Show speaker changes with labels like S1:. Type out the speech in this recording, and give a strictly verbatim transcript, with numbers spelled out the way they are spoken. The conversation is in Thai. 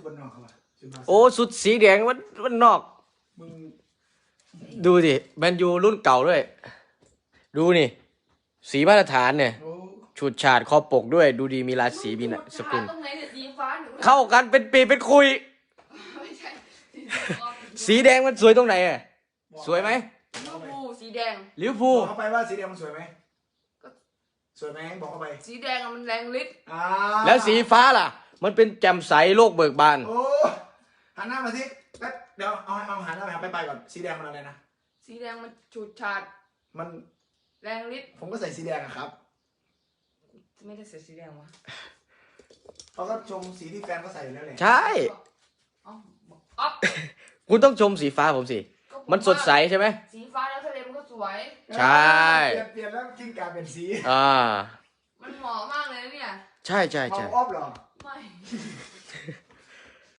S1: คนนอกเขาอะ
S2: โอ้สุดสีแดงมันมันนอกมึงดูสิแมนยูรุ่นเก่าด้วยดูนี่สีมาตรฐานเนี่ยฉูดฉาดคอปกด้วยดูดีมีราศีมีสกุลเข้ากันเป็นปีเป็นคุยสีแดงมันสวยตรงไหนอ่ะสวยไหม
S3: ลิเวอร์พูลสีแดง
S2: ลิเวอร์พูล
S1: บอกเขาไปว่าสีแดงมันสวยไหมสวยไหมบอกเขาไป
S3: สีแดงมันแรงฤทธิ์
S2: แล้วสีฟ้าล่ะมันเป็นแจ่มใสโลกเบิกบาน
S1: โอ้หันหน้ามาสิแป๊บเดี๋ยวเอาเอาหันหน้าไปไปไปก่อนสีแดงมันอะไรนะ
S3: สีแดงมันฉูดฉาด
S1: มัน
S3: แรงฤทธิ์
S1: ผมก็ใส่สีแดงอะครับ
S3: ไม่ได้ใส่สีแดงวะ
S1: เขาก็ชมสีที่แฟนเขาใส่อยู่แล้วแหละ
S2: ใช่คุณต้องชมสีฟ้าผมสิมันสดใสใช่ไหม
S3: สีฟ้าแล้วทะเลมันก็สวย
S2: ใช่
S1: เปลี่ยนเปลี่ยนแล้วกิ้งก่าเป็นสี
S2: อ่า
S3: มันเหมาะมากเลยเนี่ย
S2: ใช่ใช่ใช่
S1: มองออฟเหรอ
S3: ไม่